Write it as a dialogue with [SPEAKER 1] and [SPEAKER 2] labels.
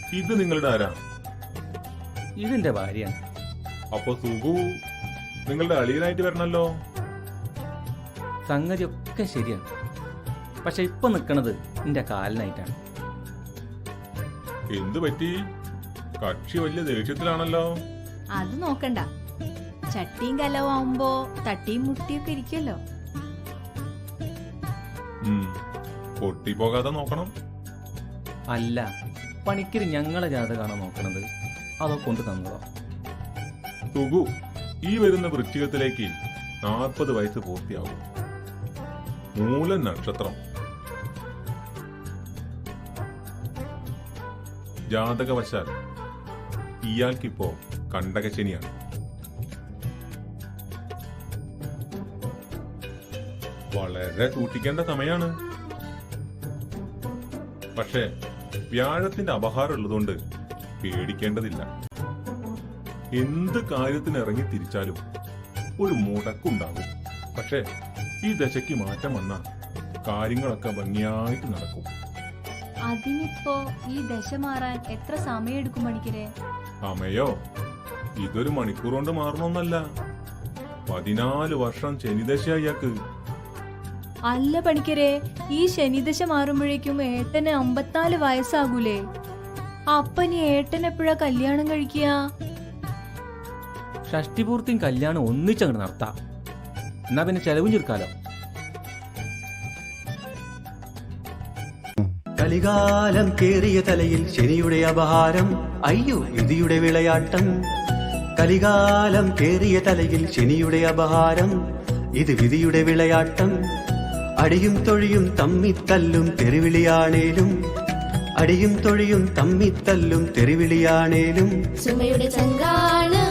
[SPEAKER 1] ഇത് നിങ്ങളുടെ ആരാ?
[SPEAKER 2] ഇതിന്റെ ഭാര്യയാണ്.
[SPEAKER 1] അപ്പൊ സുഖു നിങ്ങളുടെ അളിയനായിട്ട് വരണല്ലോ.
[SPEAKER 2] സംഗതി ഒക്കെ ശരിയാണ്, പക്ഷെ ഇപ്പൊ നിക്കണത് എന്റെ കാലിനായിട്ടാണ്.
[SPEAKER 1] എന്തു പറ്റി? കക്ഷി വലിയ ദേഷ്യത്തിലാണല്ലോ.
[SPEAKER 3] അത് നോക്കണ്ട, ചട്ടിയും കലവും ആവുമ്പോ തട്ടിയും മുട്ടിയൊക്കെ ഇരിക്കുമല്ലോ.
[SPEAKER 1] പൊട്ടിപ്പോകാതെ നോക്കണം.
[SPEAKER 2] അല്ല, പണിക്കര് ഞങ്ങളെ ജാതകാണോ നോക്കണത്, അതോ കൊണ്ട് തന്നതോ?
[SPEAKER 1] സുഖു ഈ വരുന്ന വൃശ്ചികത്തിലേക്ക് 40 വയസ്സ് പൂർത്തിയാവും. മൂലം നക്ഷത്രം. ജാതകവശാൽ ഇയാൾക്കിപ്പോ കണ്ടകശനിയാണ്. വളരെ സൂക്ഷിക്കേണ്ട സമയാണ്. പക്ഷേ വ്യാഴത്തിന്റെ അപഹാരം ഉള്ളതുകൊണ്ട് പേടിക്കേണ്ടതില്ല. എന്ത് കാര്യത്തിന് ഇറങ്ങി തിരിച്ചാലും ഒരു മുടക്കുണ്ടാകും. പക്ഷേ ഈ ദശയ്ക്ക് മാറ്റം വന്നാൽ കാര്യങ്ങളൊക്കെ ഭംഗിയായിട്ട് നടക്കും.
[SPEAKER 3] അതിനിപ്പോ ഈ ദശ മാറാൻ എത്ര സമയം എടുക്കും പണിക്കരെ?
[SPEAKER 1] സമയോ ഇതൊരു മണിക്കൂർ കൊണ്ട് മാറണമെന്നല്ല, 14 വർഷം ശനിദശ അയാൾക്ക്.
[SPEAKER 3] അല്ല പണിക്കരെ, ഈ ശനിദശ മാറുമ്പോഴേക്കും ഏട്ടന് 54 വയസ്സാകൂലേ? അപ്പനി ഏട്ടൻ എപ്പോഴാ കല്യാണം കഴിക്കുക?
[SPEAKER 2] ഷഷ്ടിപൂർത്തിയും കല്യാണം ഒന്നിച്ചങ്ങോട്ട് നടത്താം. എന്നാ പിന്നെ ചെലവും ചുരുക്കാലോ.
[SPEAKER 4] കലികാലം കേറിയ തലയിൽ ശനിയുടെ അപഹാരം, അയ്യോ വിധിയുടെ വിളയാട്ടം. കലികാലം കേറിയ തലയിൽ ശനിയുടെ അപഹാരം, ഇത് വിധിയുടെ വിളയാട്ടം. അടിയും തൊഴിയും തമ്മിത്തല്ലും തെറിവിളിയാണേലും, അടിയും തൊഴിയും തമ്മിത്തല്ലും തെറിവിളിയാണേലും
[SPEAKER 5] സുമയുടെ ചങ്കാണ്